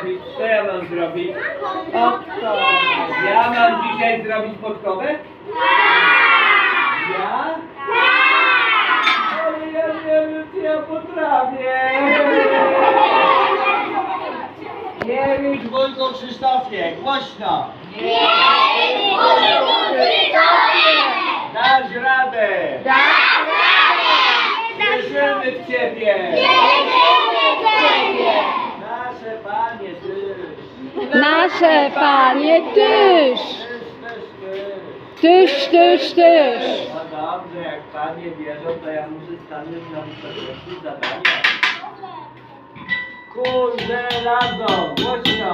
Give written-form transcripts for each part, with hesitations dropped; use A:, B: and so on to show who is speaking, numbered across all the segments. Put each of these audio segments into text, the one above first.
A: zrobić? Co ja mam zrobić?
B: Podkowę.
A: Ja mam dzisiaj zrobić podkowę? Ja? Ale ja nie wiem, czy ja potrafię. Nie wiem, Wojtko Krzysztofie, głośno. Dasz radę. Wierzymy w Ciebie. Nasze Panie, Ty.
B: Nasze Panie, Tyż. Tyż, tyż, tyż.
A: No dobrze, jak Panie wierzą, to ja muszę stanąć na wysokości zadania. Kurze żelazo, głośno.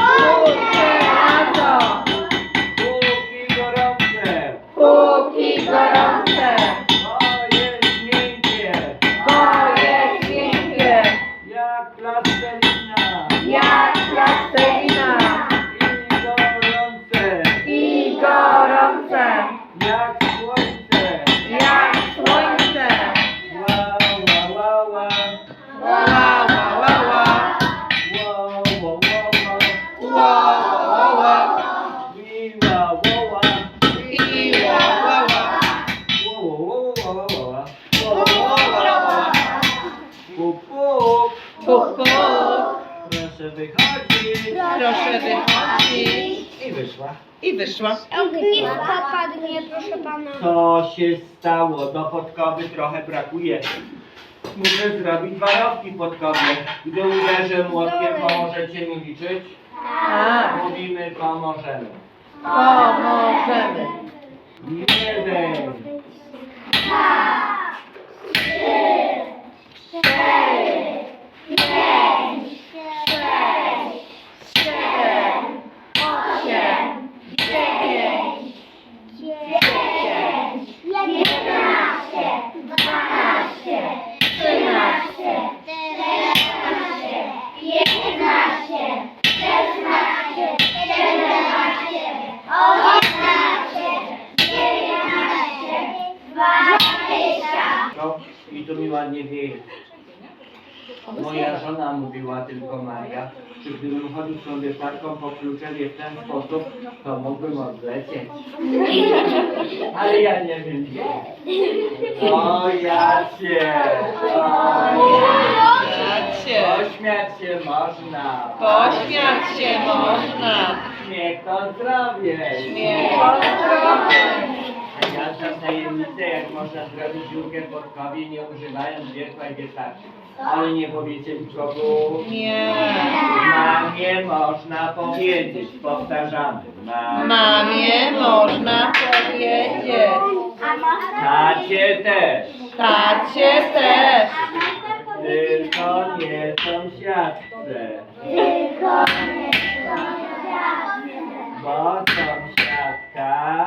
A: Póki gorące.
B: Póki gorące,
A: To jest miękkie.
B: bo jest miękkie,
A: Jak plastelina.
B: jak plastelina.
A: I gorące.
B: I gorące,
A: Jak słońce.
B: jak słońce.
A: Ła, ła, ła, ła.
B: Ła, ła, ła, ła.
A: Ła, ła, ła, ła.
B: Ła, ła, ła.
A: Wi, ła, ła, ła.
B: I ła, ła, ła.
A: Ła, ła, ła, ła, ła, ła.
B: Ła, ła, ła, ła.
A: Puk, puk.
B: Puk, puk.
A: Proszę wychodzić.
B: Proszę wychodzić.
A: I wyszła.
B: I wyszła.
C: Ognisko padnie, proszę pana.
A: Co się stało? Do podkowy trochę brakuje. Muszę zrobić warowki podkowy. Gdy uderzę młotkiem, pomożecie mi liczyć?
B: Tak,
A: Mówimy, pomożemy.
B: pomożemy.
A: 1,
B: 7, 8, 9, 10, 11, 12, 13,
C: 20.
A: no i tu mi ładnie wieje. Moja żona mówiła tylko Maria, że gdybym chodził z tą wieszarką po kluczewie w ten sposób, to mógłbym odlecieć. Ale ja nie wiem gdzie. O Jacie! Pośmiać się można.
B: Pośmiać się można.
A: Śmiech to zdrowie.
B: Śmiech to zdrowie.
A: Ja znam tajemnicę, jak można zrobić dziurkę w podkowie, nie używając wiertła i wieszaczki. Ale nie powiecie nikogo.
B: Nie.
A: Mamie można powiedzieć, powtarzamy.
B: Mamie można powiedzieć.
A: Tacie też.
B: Tacie też.
A: Tylko nie sąsiadce. Bo sąsiadka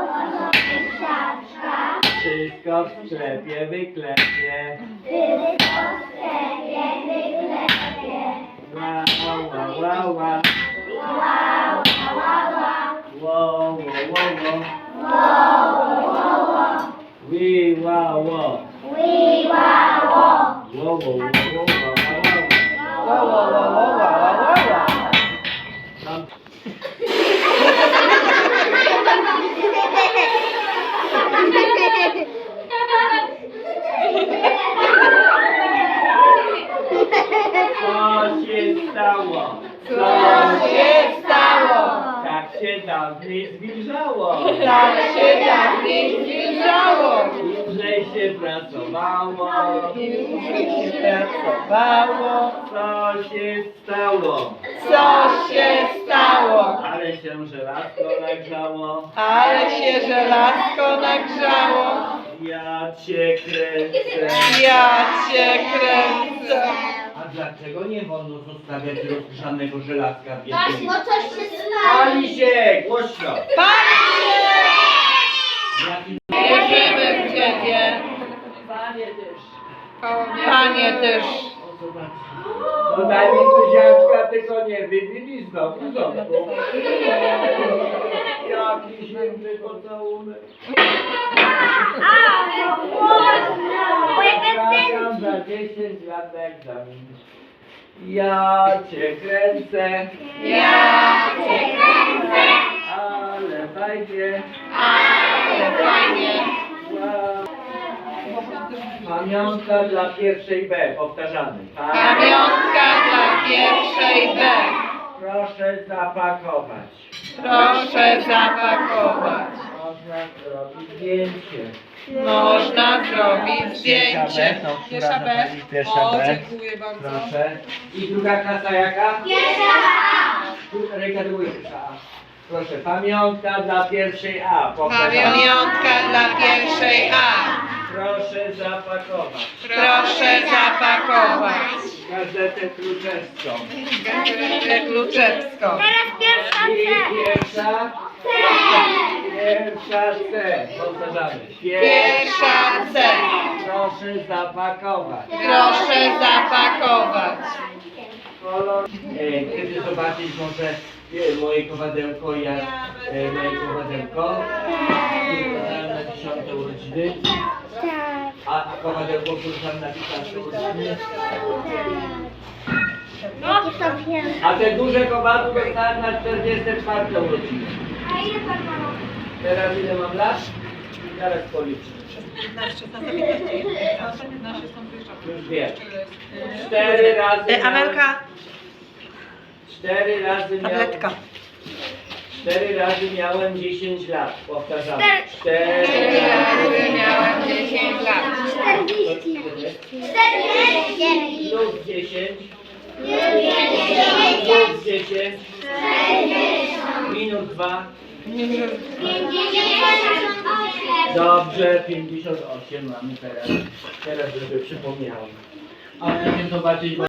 A: wszystko w sklepie wyklepie. Ła, ła, ła, ła. Wo, wo, wo, wo. Wi, ła, wo. Wo, wo, wo, wo, wo,
B: Ła, ła, ła, ła, ła, ła, ła.
A: Tam co się stało?
B: Co się stało?
A: Tak się dawniej zwilżało.
B: Tak się dawniej zbliżało.
A: Dłużej się pracowało.
B: Dłużej się pracowało.
A: Co się stało?
B: Co się stało?
A: Ale się żelazko nagrzało.
B: Ale się żelazko nagrzało.
A: Ja cię kręcę.
B: Ja cię kręcę.
A: A dlaczego nie wolno zostawiać rozgrzanego żelazka w jednym?
C: No coś się stało.
A: Pali się! Głośno!
B: Panie!
A: Jaki
B: Wierzymy w Ciebie. Panie też.
A: No daj mi buziaczka, tylko nie wybili znowu. Jaki zimny pocałunek.
C: Moje
A: Zapraszam za 10 lat na egzamin. Ja cię kręcę,
B: Ja cię kręcę,
A: ale fajnie.
B: ale fajnie.
A: Pamiątka dla pierwszej B, powtarzamy.
B: Pamiątka dla pierwszej B.
A: Proszę zapakować.
B: Proszę zapakować.
A: Można zrobić zdjęcie.
B: Można zrobić zdjęcie.
A: To która zachodzi? Pierwsza B.
B: Dziękuję bardzo.
A: Proszę. I druga klasa jaka?
C: Pierwsza A.
A: Ręka do góry, pierwsza A. Proszę, pamiątka dla pierwszej A. Powtarzamy.
B: Pamiątka dla pierwszej A.
A: Proszę zapakować.
B: Proszę zapakować.
A: Gazetę kluczewską.
B: Gazetę kluczewską.
C: Teraz pierwsza
A: I
C: C.
A: pierwsza. Pierwsza C. Powtarzamy.
B: Pierwsza C.
A: Proszę zapakować.
B: Proszę zapakować.
A: Kolor. Kiedy zobaczyć może moje kowadełko, jak moje kowadełko. Na 10 urodziny.
C: Tak.
A: A kowadełko, które tam na 15 urodziny.
C: Jakie są piękne.
A: A te duże kowadło dostałem na 44 urodziny.
C: A ile pan ma?
A: Teraz ile mam lat? Zaraz policzę.
B: 15, 15, a ostatnie 15 są wyższe.
A: Już wiem. 4 razy miałem,
B: Amelka,
A: 4 razy miałem,
B: tabletka.
A: 4 razy miałem 10 lat. Powtarzamy. 4
B: 4 razy
A: razy
B: miałem 10 lat.
C: 40. 40.
A: plus 10 plus 10 minus 2.
C: 58.
A: Dobrze, 58 mamy teraz. Teraz żeby przypomniałem. A chcecie zobaczyć